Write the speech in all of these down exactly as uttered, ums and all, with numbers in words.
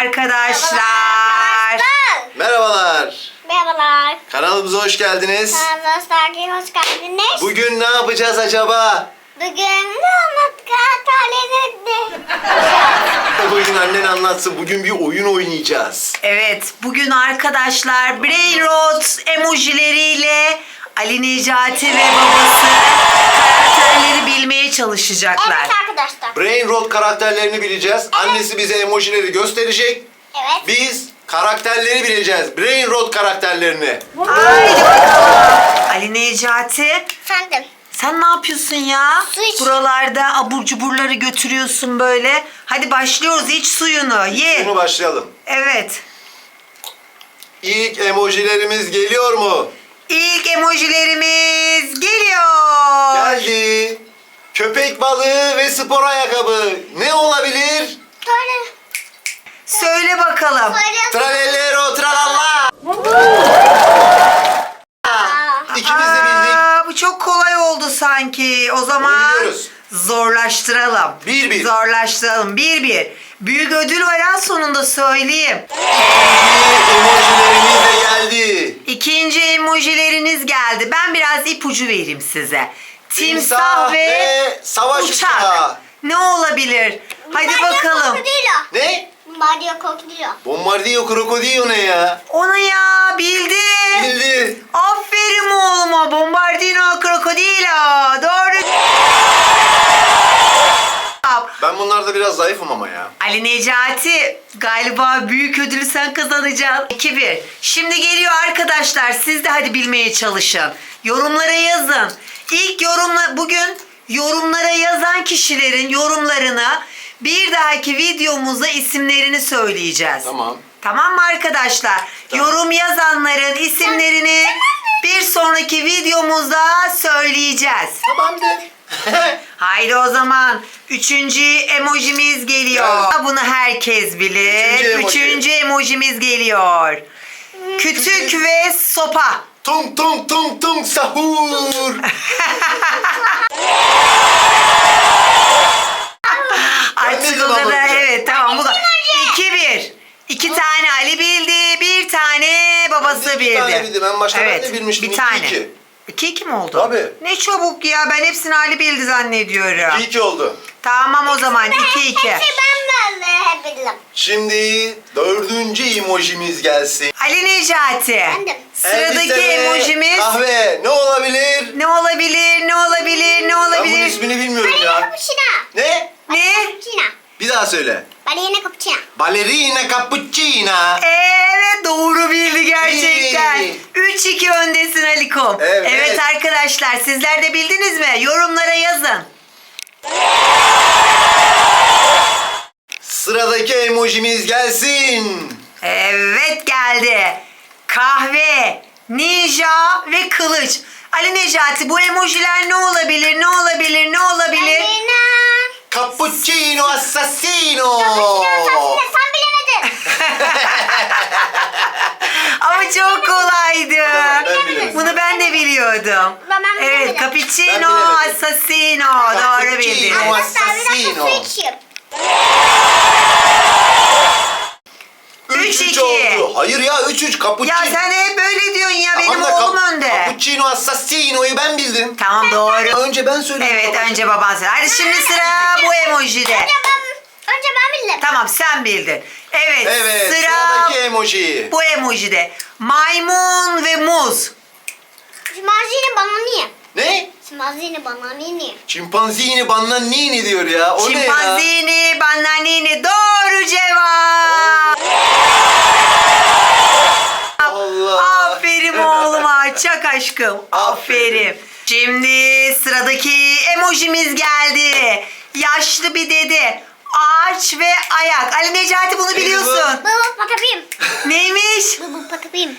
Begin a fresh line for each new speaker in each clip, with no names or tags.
arkadaşlar.
Merhabalar.
Merhabalar.
Kanalımıza hoş geldiniz.
Kanalımıza hoş geldiniz.
Bugün ne yapacağız acaba?
Bugün Anlatkataleni.
Bugün annen anlatsın. Bugün bir oyun oynayacağız.
Evet, bugün arkadaşlar Brain Rot emojileriyle Ali Necati ve babası karakterleri bilmeye çalışacaklar.
Evet arkadaşlar.
Brain Rot karakterlerini bileceğiz. Annesi bize emojileri gösterecek.
Evet.
Biz karakterleri bileceğiz. Brain Rot karakterlerini.
Haydi bakalım. Ali Necati,
Efendim.
sen ne yapıyorsun ya?
Su iç.
Buralarda abur cuburları götürüyorsun böyle. Hadi başlıyoruz, iç suyunu, ye.
Şimdi başlayalım.
Evet.
İlk emojilerimiz geliyor mu?
İlk emojilerimiz geliyor.
Geldi. Köpek balığı ve spor ayakkabı. Ne olabilir?
Söyle.
Söyle bakalım.
Söyle.
Tralellero tralala. İkimiz de bildik.
Aa, bu çok kolay oldu sanki. O zaman
Biliyoruz.
zorlaştıralım.
Bir bir.
Zorlaştıralım. Bir bir. Büyük ödül var ha, sonunda söyleyeyim.
İkinci emojilerimiz de geldi.
İkinci emojileriniz geldi. Ben biraz ipucu vereyim size. Timsah,
Timsah
ve,
ve savaş
uçak.
uçağı.
Ne olabilir? Hadi bakalım.
Ne?
Ne?
Mario Krokodilo.
Bombardiyo krokodilo ne ya?
Onu ya bildi.
Bildi.
Aferin oğluma. Bombardino Krokodilo. Doğru.
Ben bunlarda biraz zayıfım ama ya.
Ali Necati, galiba büyük ödülü sen kazanacaksın. iki bir. Şimdi geliyor arkadaşlar. Siz de hadi bilmeye çalışın. Yorumlara yazın. İlk yorumla bugün yorumlara yazan kişilerin yorumlarını bir dahaki videomuzda isimlerini söyleyeceğiz.
Tamam.
Tamam mı arkadaşlar?
Tamam.
Yorum yazanların isimlerini bir sonraki videomuzda söyleyeceğiz.
Tamamdır.
Haydi o zaman üçüncü emojimiz geliyor.
Evet.
Bunu herkes bilir.
Üçüncü emoji.
Üçüncü emojimiz geliyor. Kütük ve sopa.
Tung tung tung tung sahur.
Artık
bildim
o kadar,
ama.
evet tamam bu da. iki bir. İki tane Ali bildi, bir tane babası
Ben de iki
bildi.
tane bildim. En başta ben de bilmiştim.
Bir
İki
tane.
iki.
İki iki mi oldu?
Tabii.
Ne çabuk ya, ben hepsini Ali bildi zannediyorum.
İki iki oldu.
Tamam o zaman iki iki.
Hepsi ben böyle hep bildim.
Şimdi dördüncü emojimiz gelsin.
Ali Necati.
Efendim?
Sıradaki
Elbise ve
emojimiz
kahve. Ne olabilir?
ne olabilir? Ne olabilir? Ne
Ben bunun
olabilir?
ismini bilmiyorum
Balina
ya.
cappuccino.
Ne?
Ne?
Cappuccino.
Bir daha söyle.
Balina cappuccino.
Ballerina cappuccina.
Evet, doğru bildi gerçekten.
İyi.
üç iki öndesin Alikom.
Evet.
Arkadaşlar, sizler de bildiniz mi? Yorumlara yazın.
Sıradaki emojimiz gelsin.
Evet, geldi. Kahve, ninja ve kılıç. Ali Necati, bu emojiler ne olabilir? Ne olabilir? Ne olabilir?
Balina.
Cappuccino assassino.
Cappuccino sen bilemedin.
Ama çok kolaydı.
Ben bilirim.
Bunu ben de biliyordum.
Ben- ben
Evet,
bilemedim.
cappuccino,
Ben bilemedim.
assassino. Doğru
Cappuccino.
bildiniz.
Arkadaşlar bir dakika
Assassino.
su içeyim.
Üç
üç üç
iki.
oldu. Hayır ya üç üç cappuccino.
Ya sen hep böyle diyorsun ya, benim
Tamam da
oğlum
cap-
önde.
Cappuccino assassino'yu ben bildim.
Tamam, doğru.
Önce ben söyledim.
Evet,
babacığım.
önce baban söyle. Hadi şimdi sıra bu emojide.
Önce ben, önce ben bildim.
Tamam, sen bildin. Evet,
Evet
sıra
sıradaki emoji.
bu emojide. Maymun ve muz.
Şimazini bana niye?
Ne?
Şimazini bana niye?
Çimpanzini bannanini diyor ya. O ne ya?
Çimpanzini, bananini. Doğru cevap.
Allah.
Aferin oğluma. Çak aşkım. Aferin. Şimdi sıradaki emojimiz geldi. Yaşlı bir dede. Ağaç ve ayak. Ali Necati, bunu biliyorsun.
Baba patapim.
Neymiş?
Baba patapim.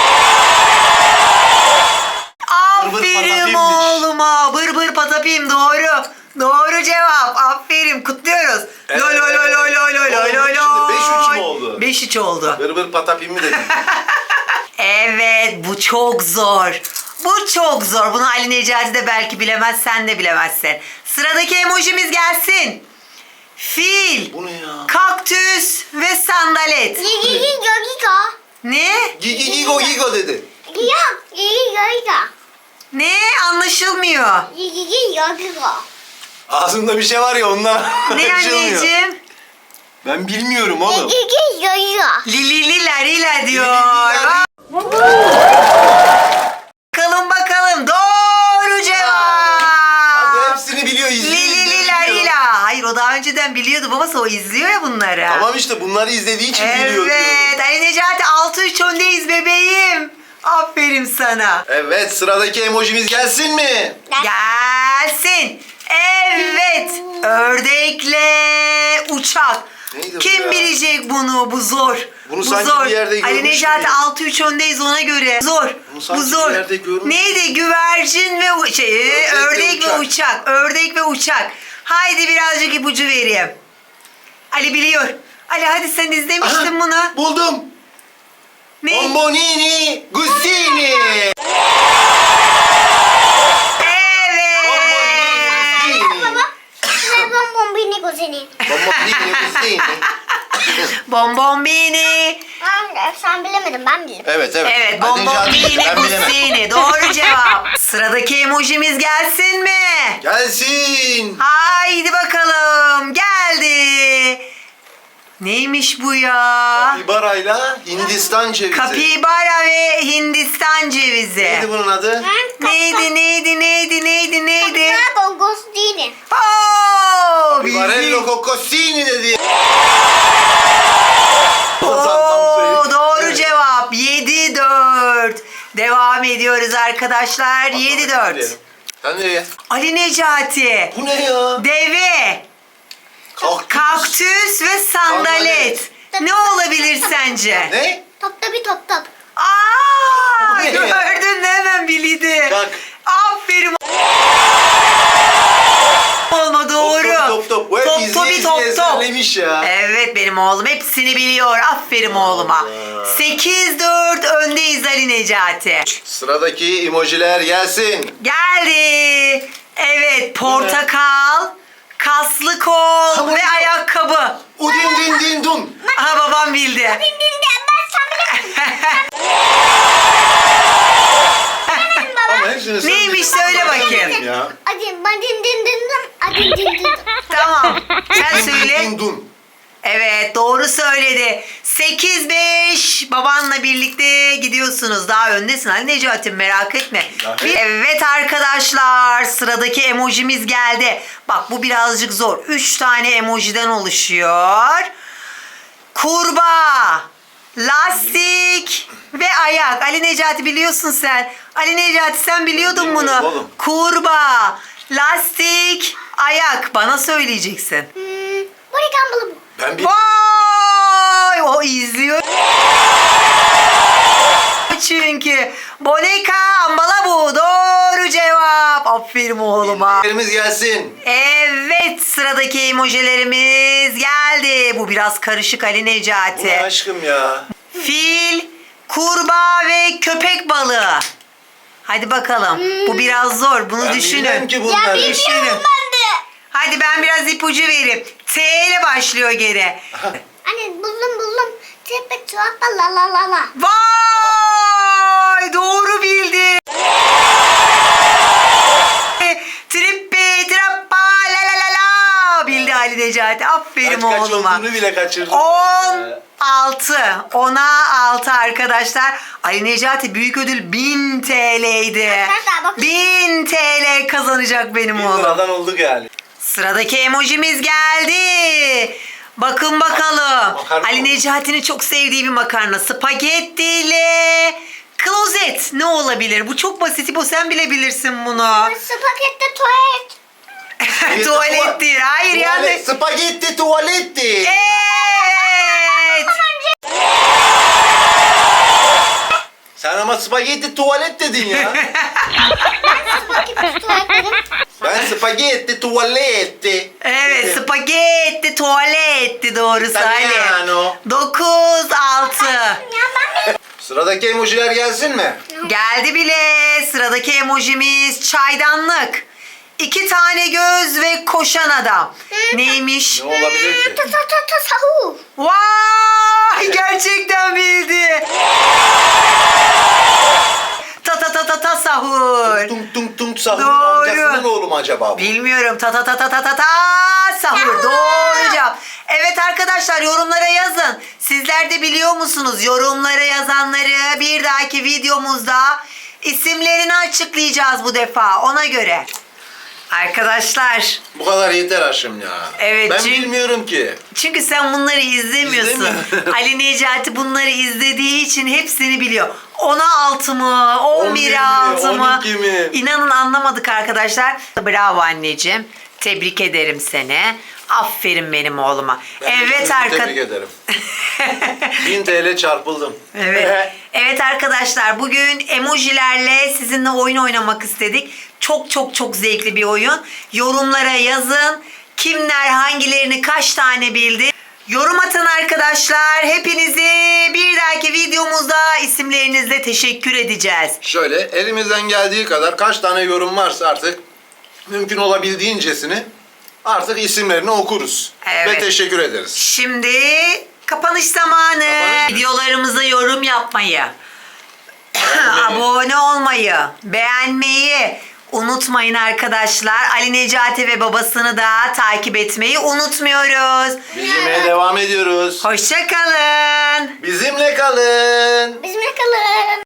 Aferin
patapimmiş.
oğluma. Bır bır patapim, doğru. Doğru cevap. Aferin. Kutluyoruz.
Evet.
Loy loy loy loy loy loy loy loy
Şimdi beş üç mü oldu?
beş üç oldu.
Bır bır patapimi dedim.
Evet, bu çok zor. Bu çok zor. Bunu Ali Necati de belki bilemez, sen de bilemezsin. Sıradaki emojimiz gelsin. Fil,
Bu ne ya?
kaktüs ve sandalye. Evet.
Gigi Gigi
Ne?
Gigi Gigo Gigo dedi.
Yok. Gigi Gigi
Ne? Anlaşılmıyor.
Gigi Gigi
Ağzında bir şey var ya ondan
Ne
anlaşılmıyor.
anneciğim?
Ben bilmiyorum oğlum.
Gigi Gigi
Lilililer ile diyor.
Lilililer.
Bakalım bakalım. Doğru
Abi
cevap.
hepsini biliyor, izliyor.
Lilililer
izliyor.
ile. Hayır o daha önceden biliyordu babası, o izliyor ya bunları.
Tamam işte bunları izlediği için biliyor diyorum.
Evet. Ali Necati altı üç öndeyiz bebeğim. Aferin sana.
Evet, sıradaki emojimiz gelsin mi?
Gelsin. Evet. Ördekle uçak.
Neydi bu
Kim
ya?
bilecek bunu? Bu zor.
Bunu
bu
sanki
zor.
bir yerde
Ali
görmüş
Necati
gibiyim.
altı üç öndeyiz ona göre. Zor.
Bunu sanki
Bu zor.
bir yerde görmüş.
Neydi? Güvercin ve u- şey,
Ördek
ördek,
ve
ve
uçak.
uçak. Ördek ve uçak. Haydi birazcık ipucu vereyim. Ali biliyor. Ali hadi sen izlemiştin
Aha,
bunu.
buldum.
Ne?
Bombonini Gustini.
Evet.
Ne bombini kuzeni.
Bombonini Gustini.
Bonbonbini.
Sen bilemedin ben bildim.
Evet evet.
Evet,
Hadi Necati,
bonbonbini
ben bilemem.
gustini. Doğru cevap. Sıradaki emojimiz gelsin mi?
Gelsin.
Haydi bakalım. Geldi. Neymiş bu ya?
Kapibarayla Hindistan cevizi.
Kapibara ve Hindistan cevizi.
Neydi bunun adı?
Neydi, neydi, neydi, neydi, neydi?
Ne gongostini.
Oo,
Barello
bildi.
Coccosini dedi.
Oo, doğru cevap. yedi dört. Devam ediyoruz arkadaşlar. yedi dört.
Sen nereye?
Ali Necati.
Bu ne ya?
Deve,
Kaktüs.
kaktüs ve sandalet. Ne olabilir sence?
Ne?
Top topi top top.
Aa,
Bu ne ya?
gördün mü, hemen bildi.
Bak.
Aferin. Olma doğru.
Top top top. Bu hep
Top
izleye
topi
izleye
top top.
ezberlemiş ya.
Evet benim oğlum hepsini biliyor. Aferin oğluma.
Allah.
sekiz dört öndeyiz Ali Necati.
Sıradaki emojiler gelsin.
Geldi. Evet portakal, kaslı kol
Tamam.
ve ayakkabı.
Udin din din dun.
Aha babam bildi.
Din din de ben sen bilemedin. Bilemedin baba.
Ama hepsini sen
Neymiş,
bildin.
söyle
Ben
bakayım.
bilmiyorum ya.
Hadi ben din din din din. Hadi din din din.
Tamam. Sen
Din din
söyle.
din dun.
Evet doğru söyledi. sekiz beş babanla birlikte gidiyorsunuz. Daha öndesin Ali Necati, merak etme.
Evet.
Bir- Evet arkadaşlar sıradaki emojimiz geldi. Bak bu birazcık zor. üç tane emojiden oluşuyor. Kurbağa, lastik ve ayak. Ali Necati biliyorsun sen. Ali Necati sen biliyordun
Bilmiyorum
bunu.
oğlum.
Kurbağa, lastik, ayak. Bana söyleyeceksin.
Hmm, bu ne kambalı?
Ben bir...
Vay! O izliyor. Çünkü Bonika ambala bu. Doğru cevap. Aferin oğluma.
Yerimiz gelsin.
Evet sıradaki emojilerimiz geldi. Bu biraz karışık Ali
Bu ne
Necati.
aşkım ya?
Fil, kurbağa ve köpek balığı. Hadi bakalım. Bu biraz zor. Bunu
Ben
düşünün.
bilmem ki
Ya
bunları.
Düşünün.
bilmiyorum ben de.
Hadi ben biraz ipucu vereyim. T ile başlıyor geri.
Anne buldum buldum. Tepe tuhafta la la la la.
Vay! Doğru bildi. Trippi trappa la la la la. Bildi Ali Necati. Aferin
Kaç kaç
oğluma.
olduğunu bile kaçırdım.
on altı. ona altı arkadaşlar. Ali Necati büyük ödül bin T L'ydi.
Arkadaşlar bakın.
bin T L kazanacak benim
Bin
oğlum.
liradan olduk yani.
Sıradaki emojimiz geldi. Bakın bakalım.
Makarna
Ali
mı?
Necati'nin çok sevdiği bir makarna. Spagetti ile klozet. Ne olabilir? Bu çok basit. Bu sen bile bilirsin bunu.
Spagetti tuvalet.
Tuvalet değil. Hayır yani.
Tuvalet, spagetti tuvaletti.
Evet.
Sen ama spagetti tuvalet dedin ya.
Spagetti tuvalet dedim.
Ben spagetti tuvaletti.
Evet, spagetti tuvaletti doğrusu Ali.
Italiano.
dokuz altı.
Ya ben mi?
Sıradaki emojiler gelsin mi?
Geldi bile. Sıradaki emojimiz çaydanlık. İki tane göz ve koşan adam. Neymiş?
Ne olabilir ki?
Ta ta ta ta sahu.
Vay!
Yakup Sahur'un
Doğru.
amcasının oğlu mu acaba bu?
Bilmiyorum. Ta ta ta ta ta ta ta sahur. Doğru cevap. Evet arkadaşlar yorumlara yazın. Sizler de biliyor musunuz? Yorumlara yazanları bir dahaki videomuzda isimlerini açıklayacağız bu defa. Ona göre. Arkadaşlar.
Bu kadar yeter Haşim ya.
Evet,
Ben
çünkü-
bilmiyorum ki.
Çünkü sen bunları izlemiyorsun.
İzlemiyorum.
Ali Necati bunları izlediği için hepsini biliyor. ona altı mı? on bir
on bir mi,
altı mı?
on iki mi?
İnanın anlamadık arkadaşlar. Bravo anneciğim. Tebrik ederim seni. Aferin benim oğluma.
Ben de
evet
kendimi
arkadaşlar.
Tebrik ederim. bin T L çarpıldım.
Evet. Evet arkadaşlar bugün emojilerle sizinle oyun oynamak istedik. Çok çok çok zevkli bir oyun. Yorumlara yazın. Kimler hangilerini kaç tane bildi? Yorum atın arkadaşlar. Hepinizi bir dahaki videomuzda isimlerinizle teşekkür edeceğiz.
Şöyle elimizden geldiği kadar kaç tane yorum varsa artık mümkün olabildiğincesini artık isimlerini okuruz.
Evet.
Ve teşekkür ederiz.
Şimdi kapanış zamanı.
Kapanış.
Videolarımıza yorum yapmayı,
Beğenmeyi.
abone olmayı, beğenmeyi unutmayın arkadaşlar. Ali Necati ve babasını da takip etmeyi unutmuyoruz.
Bizimle devam ediyoruz.
Hoşça kalın.
Bizimle kalın.
Bizimle kalın.